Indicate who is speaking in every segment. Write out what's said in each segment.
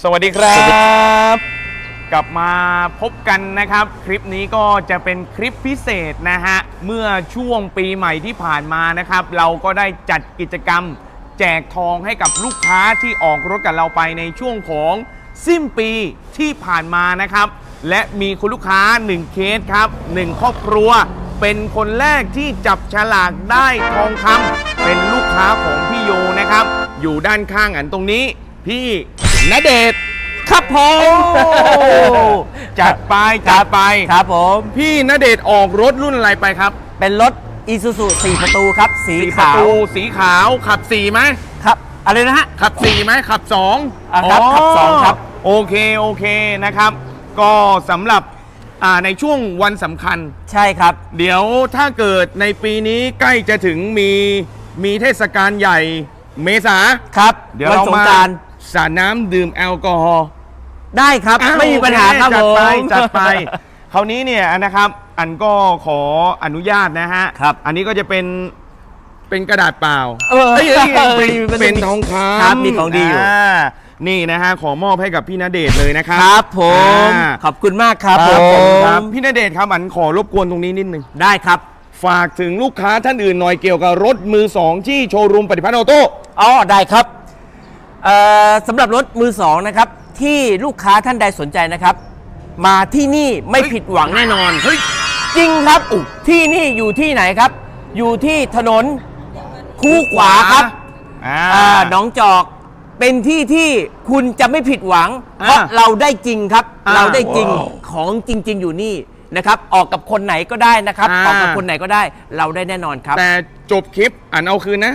Speaker 1: สวัสดีครับกลับมาพบกันนะครับคลิปนี้ก็จะเป็นคลิปพิเศษนะฮะเมื่อช่วงปีใหม่ที่ผ่านมานะครับเราก็ได้จัดกิจกรรมแจกทองให้กับลูกค้าที่ออกรถกับเราไปในช่วงของสิ้นปีที่ผ่านมานะครับและมีคุณลูกค้า1เคสครับ1ครอบครัวเป็นคนแรกที่จับฉลากได้ทองคำเป็นลูกค้าของพี่โยนะครับอยู่ด้านข้างอันตรงนี้พี่ณเดชน์
Speaker 2: ครับผม
Speaker 1: จัดไป
Speaker 2: ครับผม
Speaker 1: พี่ณเดชน์ออกรถรุ่นอะไรไปครับ
Speaker 2: เป็นรถ Isuzu 4 ประตูครับสี
Speaker 1: 4ประ
Speaker 2: ขาว
Speaker 1: ตูสีขาวขับ4ไหม
Speaker 2: ครับอะไรนะฮะ
Speaker 1: ขับ4ไหมขับ2
Speaker 2: ครับขับ2ครับ
Speaker 1: โอเคนะครับ ก็สำหรับในช่วงวันสำคัญ
Speaker 2: ใช่ครับ
Speaker 1: เดี๋ยวถ้าเกิดในปีนี้ใกล้จะถึงมีเทศกาลใหญ่เมษา
Speaker 2: ครับ
Speaker 1: เดี๋ยวเรามาสาดน้ำดื่มแอลกอฮอล์
Speaker 2: ได้ครับไม่มีปัญหาครับผม
Speaker 1: จัดไปคราวนี้เนี่ยนะครับอันก็ขออนุญาตนะฮะ
Speaker 2: ครับ
Speaker 1: อันนี้ก็จะเป็นกระดาษเปล่าเป็นทองคำ
Speaker 2: ครับมีของดีอยู่
Speaker 1: นี่นะฮะขอมอบให้กับพี่ณเดชน์เลยนะครับ
Speaker 2: ครับผมขอบคุณมากครับผม
Speaker 1: พี่ณเดชน์ครับอันขอรบกวนตรงนี้นิดนึง
Speaker 2: ได้ครับ
Speaker 1: ฝากถึงลูกค้าท่านอื่นหน่อยเกี่ยวกับรถมือสองที่โชว์รูมปฏิพัฒน์ออโต้
Speaker 2: ได้ครับสำหรับรถมือสองนะครับที่ลูกค้าท่านใดสนใจนะครับมาที่นี่ไม่ผิดหวังแน่นอนจริงครับที่นี่อยู่ที่ไหนครับอยู่ที่ถนนคูขวาครับหนองจอกเป็นที่ที่คุณจะไม่ผิดหวังเพราะเราได้จริงครับเราได้จริงของจริงๆอยู่นี่นะครับออกกับคนไหนก็ได้นะครับออกกับคนไหนก็ได้เราได้แน่นอนครับ
Speaker 1: แต่จบคลิปอันเอาคืนนะ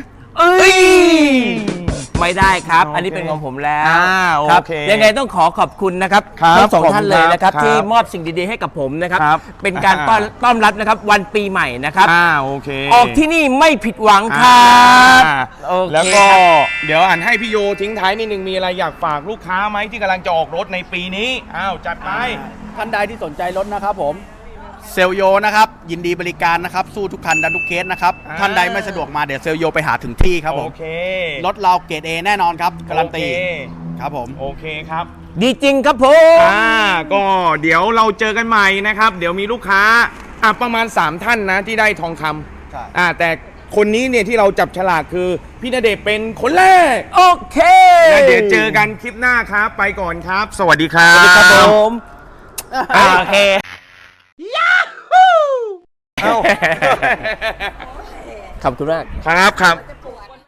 Speaker 2: ไม่ได้ครับอันนี้เป็นของผมแล้ว
Speaker 1: ครับ
Speaker 2: ยังไงต้องขอบคุณนะครับทั้งสองท่านเลยนะครับที่มอบสิ่งดีๆให้กับผมนะครับเป็นการต้อนรับนะครับวันปีใหม่นะครับ
Speaker 1: โอเค
Speaker 2: ออกที่นี่ไม่ผิดหวังครับ
Speaker 1: แล้วก็เดี๋ยวอ่านให้พี่โยทิ้งท้ายนิดนึงมีอะไรอยากฝากลูกค้าไหมที่กำลังจะออกรถในปีนี้จัดไป
Speaker 3: ท่านใดที่สนใจรถนะครับผมเซลโยนะครับยินดีบริการนะครับสู้ทุกคันดันทุกเคสนะครับท่านใดไม่สะดวกมาเดี๋ยวเซลโยไปหาถึงที่ครับผมรถเราเกรด A แน่นอนครับการันตีครับผม
Speaker 1: โอเคครับ
Speaker 2: ดีจริงครับผม
Speaker 1: ก็เดี๋ยวเราเจอกันใหม่นะครับเดี๋ยวมีลูกค้าประมาณ3ท่านนะที่ได้ทองคำแต่คนนี้เนี่ยที่เราจับฉลากคือพี่ณเดชน์เป็นคนแรก
Speaker 2: โอเค
Speaker 1: เดี๋ยวเจอกันคลิปหน้าครับไปก่อนครับสวัสดีครับ
Speaker 2: สวัสดีครับผมโอเคขอบคุณมาก
Speaker 1: ครับ